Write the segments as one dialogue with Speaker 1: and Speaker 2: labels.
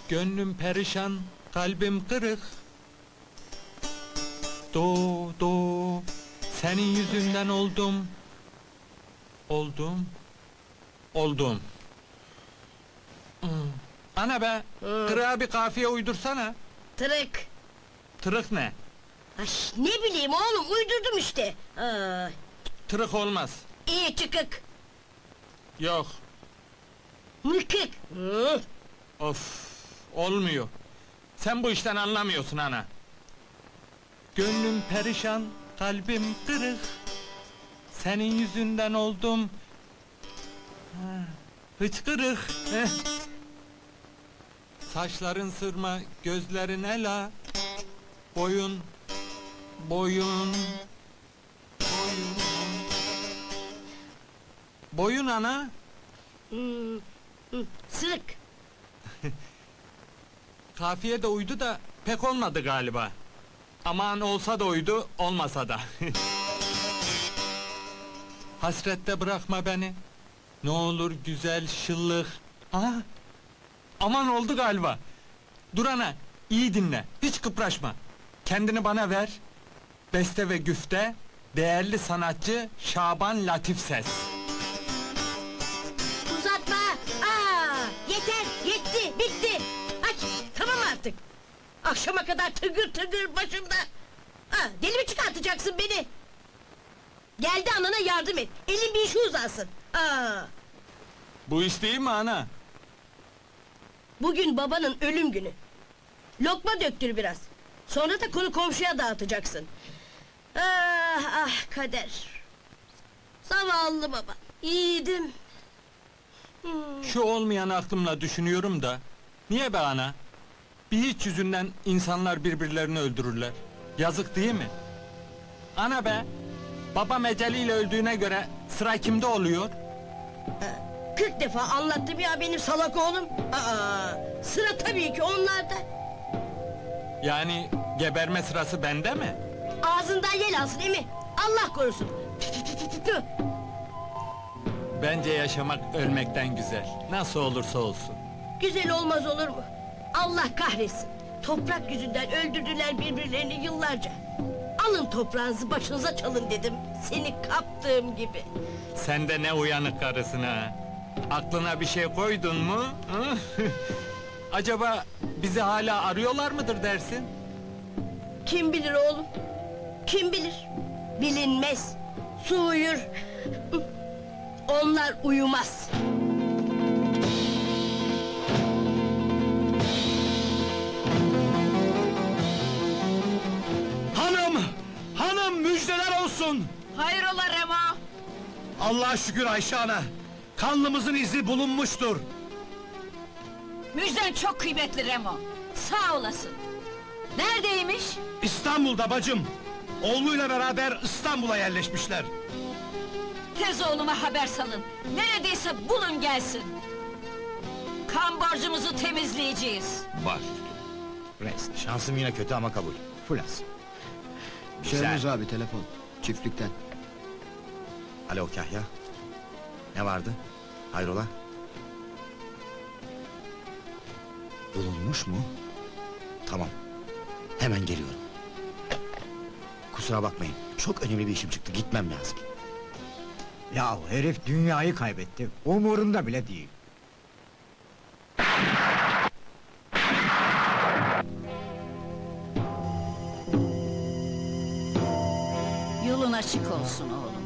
Speaker 1: Gönlüm perişan, kalbim kırık. Do, senin yüzünden oldum. Oldum. Ana be, kırığa bir kafiye uydursana.
Speaker 2: Tırık.
Speaker 1: Tırık ne?
Speaker 2: Ay, ne bileyim oğlum, uydurdum işte.
Speaker 1: Tırık olmaz.
Speaker 2: İyi çıkık.
Speaker 1: Yok,
Speaker 2: Mıkık.
Speaker 1: of, olmuyor. Sen bu işten anlamıyorsun ana. Gönlüm perişan, kalbim kırık. Senin yüzünden oldum. Hıçkırık. Saçların sırma, gözlerin ela. Boyun. Boyun ana.
Speaker 2: Sırık.
Speaker 1: Kafiye de uydu da pek olmadı galiba. Aman olsa da uydu, olmasa da. Hasrette bırakma beni. Ne olur güzel şıllık. Aha! Aman oldu galiba. Dur ana, iyi dinle, hiç kıpraşma. Kendini bana ver. Beste ve güfte, değerli sanatçı Şaban Latif Ses.
Speaker 2: Uzatma! Yeter, yetti, bitti! Aç, tamam artık! Akşama kadar tıgır tıgır başımda! Deli mi çıkartacaksın beni? Geldi anana yardım et, elin bir işi uzansın!
Speaker 1: Bu iş değil mi ana?
Speaker 2: Bugün babanın ölüm günü. Lokma döktür biraz. Sonra da konu komşuya dağıtacaksın. Ah kader! Zavallı baba, yiğidim!
Speaker 1: Şu olmayan aklımla düşünüyorum da... Niye be ana? Bir hiç yüzünden insanlar birbirlerini öldürürler. Yazık değil mi? Ana be! Babam eceliyle öldüğüne göre sıra kimde oluyor?
Speaker 2: 40 defa anlattım ya benim salak oğlum! Sıra tabii ki onlarda!
Speaker 1: Yani geberme sırası bende mi?
Speaker 2: Ağzından yel alsın emi! Allah korusun! Tü!
Speaker 1: Bence yaşamak ölmekten güzel. Nasıl olursa olsun.
Speaker 2: Güzel olmaz olur mu? Allah kahretsin! Toprak yüzünden öldürdüler birbirlerini yıllarca! Alın toprağınızı başınıza çalın dedim, seni kaptığım gibi!
Speaker 1: Sen de ne uyanık karısın ha! Aklına bir şey koydun mu? Hı? Acaba bizi hala arıyorlar mıdır dersin?
Speaker 2: Kim bilir oğlum? Kim bilir? Bilinmez! Su uyur! Onlar uyumaz!
Speaker 3: Hanım müjdeler olsun!
Speaker 2: Hayrola Rema?
Speaker 3: Allah'a şükür Ayşe ana! Kanlımızın izi bulunmuştur!
Speaker 4: Müjden çok kıymetli Remo. Sağ olasın. Neredeymiş?
Speaker 3: İstanbul'da bacım! Oğluyla beraber İstanbul'a yerleşmişler!
Speaker 4: Tez oğluma haber salın. Neredeyse bulun gelsin. Kan borcumuzu temizleyeceğiz.
Speaker 5: Baş. Rest. Şansım yine kötü ama kabul. Fulas.
Speaker 6: Şermuz abi telefon, çiftlikten.
Speaker 5: Alo Kahya. Ne vardı? Hayrola? Bulunmuş mu? Tamam. Hemen geliyorum. Kusura bakmayın. Çok önemli bir işim çıktı. Gitmem lazım.
Speaker 6: Ya herif dünyayı kaybetti, umurunda bile değil.
Speaker 4: Yolun açık olsun oğlum.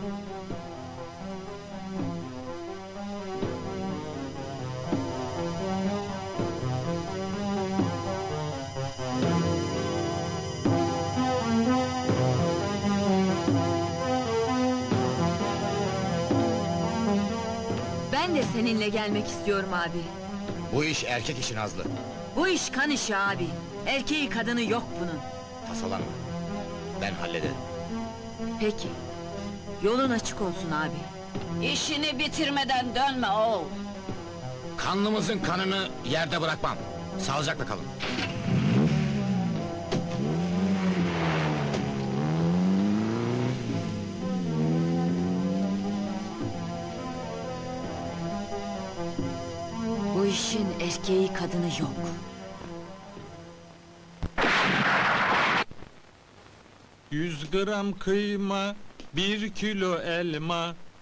Speaker 7: Ben de seninle gelmek istiyorum abi.
Speaker 5: Bu iş erkek işi Nazlı.
Speaker 7: Bu iş kan işi abi. Erkeği kadını yok bunun.
Speaker 5: Tasalanma. Ben hallederim.
Speaker 7: Peki. Yolun açık olsun abi.
Speaker 4: İşini bitirmeden dönme oğul.
Speaker 5: Kanlımızın kanını yerde bırakmam. Sağlıcakla kalın.
Speaker 7: Bu işin erkeği kadını yok.
Speaker 1: 100 gram kıyma, 1 kilo elma,